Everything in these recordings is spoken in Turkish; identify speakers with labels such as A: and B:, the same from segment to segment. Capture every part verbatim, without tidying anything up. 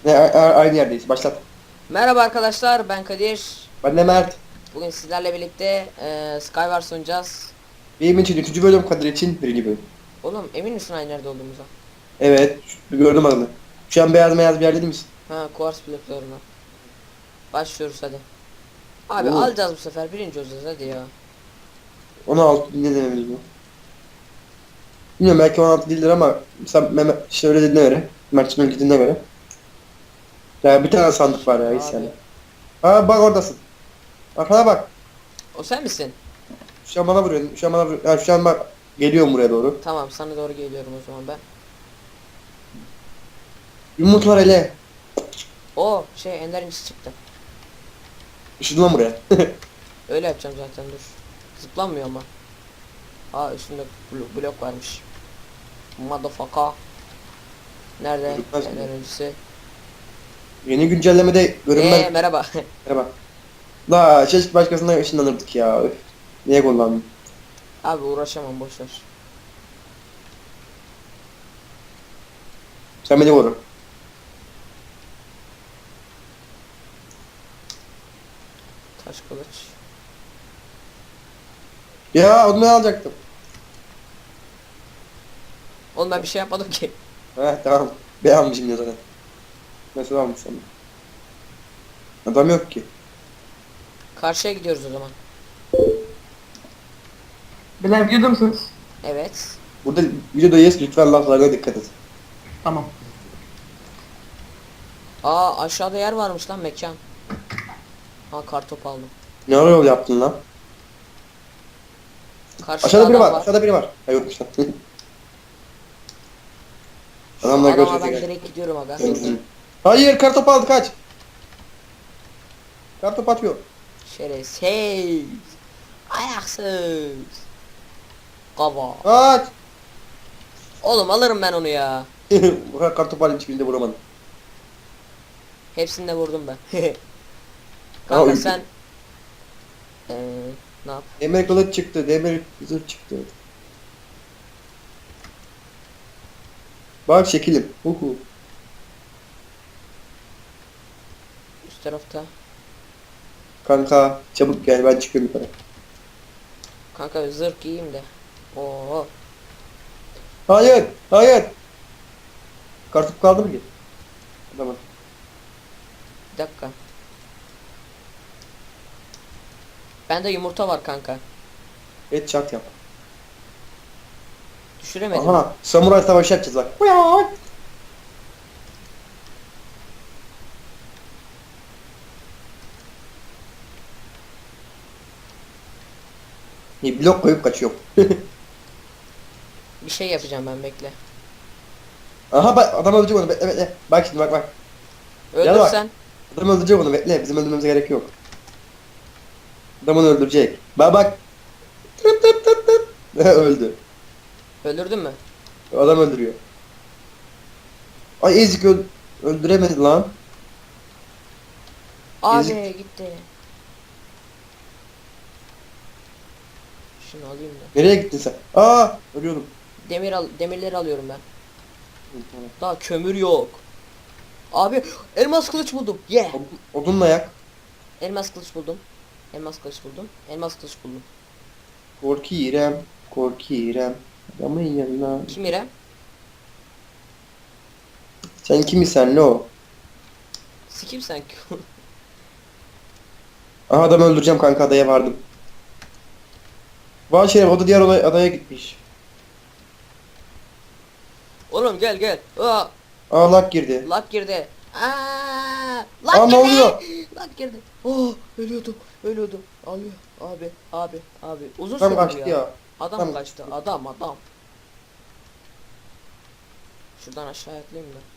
A: Ne, a- a- aynı yerdeyiz. Başlat.
B: Merhaba arkadaşlar, ben Kadir.
A: Ben de Mert.
B: Bugün sizlerle birlikte e, Skywars oynayacağız.
A: Benim için üçüncü bölüm, Kadir için birinci bölüm.
B: Oğlum emin misin aynı yerde olduğumuza?
A: Evet. şu- Gördüm adını. Şu an beyaz beyaz bir yer değil misin?
B: Ha, Quartz bloklarına. Başlıyoruz hadi. Abi
A: Oo.
B: alacağız bu sefer, birinci olacağız hadi ya.
A: on altı ne dememiz bu? Bilmiyorum, belki on altı değildir ama sen Mehmet işte öyle dediğine göre. Mert'in öyle dediğine göre. Ya bir tane sandık var ya, hiç
B: Abi.
A: yani. Ha bak oradasın. Arkana bak.
B: O sen misin?
A: Şu an bana vuruyorsun. Şu an bana vuruyorsun. Ya şu an bak. Geliyorum buraya doğru.
B: Tamam, sana doğru geliyorum o zaman ben.
A: Yumruk var hele.
B: O şey ender incisi çıktı.
A: Işıdın lan buraya.
B: Öyle yapacağım zaten, dur. Zıplanmıyor ama. Aa, üstünde blok, blok varmış. Motherfucker. Nerede
A: Gözükmez mi?
B: ender incisi?
A: Yeni güncellemede görünmez.
B: Eee merhaba.
A: Merhaba. La çeşit başkasına ışınlanırdık ya. Öf. Niye kullandın?
B: Abi uğraşamam, boş ver.
A: Sen beni koru.
B: Taş kılıç.
A: Ya onu ben alacaktım.
B: Oğlum ben bir şey yapmadım ki.
A: Heh tamam. Ben almışım ya zaten. Nasıl almış onu? Adam yok ki.
B: Karşıya gidiyoruz o zaman.
C: Beyler videoda mısınız?
B: Evet.
A: Burada videodayız, lütfen laflarına dikkat et.
C: Tamam.
B: Aa, aşağıda yer varmış lan, mekan. Ha, kartop aldım.
A: Ne ara yol yaptın lan?
B: Karşıda
A: Aşağıda biri
B: adam
A: var, aşağıda biri var. Ha yokmuş lan.
B: Şu
A: Adamlar
B: adama
A: görecek
B: ben
A: gel.
B: direkt gidiyorum aga.
A: Hayır, kartopu aldı, kaç. Kartop atıyor.
B: Şerefsiz. Ayaksız. Kava.
A: Kaç.
B: Oğlum alırım ben onu ya.
A: Kartop alayım, hiçbirinde vuramadım.
B: Hepsini de vurdum ben.
A: Aa,
B: Kanka
A: ül-
B: sen ee, ne yap?
A: Demir kılıç çıktı, demir zırh çıktı. Bak şekilim. Uhu.
B: Üst tarafta.
A: Kanka çabuk gel, ben çıkıyorum yukarı.
B: Kanka zırh giyeyim de. Oo.
A: Hayır, hayır. Kartop kaldı mı ki? Tamam.
B: Bir dakika. Bende yumurta var kanka.
A: Et çat yap.
B: Düşüremedim.
A: Aha, samuray savaşı yapacağız bak. Uyan. Bir blok koyup kaçıyorum.
B: Bir şey yapacağım ben, bekle.
A: Aha bak, adam öldürecek onu, bekle bekle. Bak şimdi, bak bak. Gel bak.
B: Öldürsen.
A: Adam öldürecek onu, bekle. Bizim öldürmemize gerek yok. Adam onu öldürecek. Bak bak. Tıp tıp tıp tıp. Öldü.
B: Öldürdün mü?
A: Adam öldürüyor. Ay ezik öl öldüremedi lan.
B: Abi
A: Ezik.
B: gitti. Şunu alayım da.
A: Nereye gittin sen? Aa, ölüyordum.
B: Demir al, demirleri alıyorum ben. Daha kömür yok. Abi elmas kılıç buldum. Yeah.
A: Odun- Odunla yak.
B: Elmas kılıç buldum. Elmas kılıç buldum. Elmas kılıç buldum.
A: Korkirem, korkirem. Adamın yanına.
B: Kim İrem?
A: Sen kimisin lo?
B: Sikim sen.
A: Aha, adamı öldüreceğim kanka, adaya vardım. Vay şeref, o da diğer olay, adaya gitmiş.
B: Oğlum gel gel. Aa,
A: Aa, lag girdi.
B: lag girdi. Aa, lag
A: Aa, ne
B: girdi.
A: oluyor?
B: Lag girdi. Oh, ölüyordum. Ölüyordum. Alıyor. Abi, abi, abi. Uzun
A: Tam
B: sürdü
A: kaçtı
B: ya.
A: ya.
B: Adam
A: Tam
B: kaçtı.
A: kaçtı.
B: Adam, adam. Şuradan aşağı atlayayım da.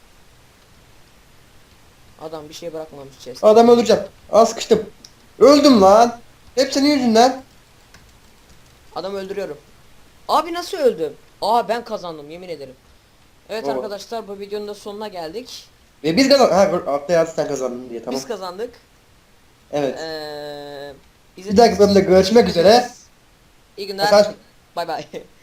B: Adam bir şey bırakmamış chest.
A: Adamı öldüreceğim. Aa, sıkıştım. Öldüm lan. Hep senin yüzünden.
B: Adamı öldürüyorum. Abi nasıl öldüm? Aa, ben kazandım yemin ederim. Evet
A: Baba.
B: arkadaşlar, bu videonun da sonuna geldik.
A: Ve biz kazandık. Ha, altta yazdı sen kazandın diye, tamam.
B: Biz kazandık.
A: Evet.
B: Ee,
A: Bir dahaki bölümde görüşmek üzere.
B: İyi günler.
A: Mesaj-
B: Bay bay.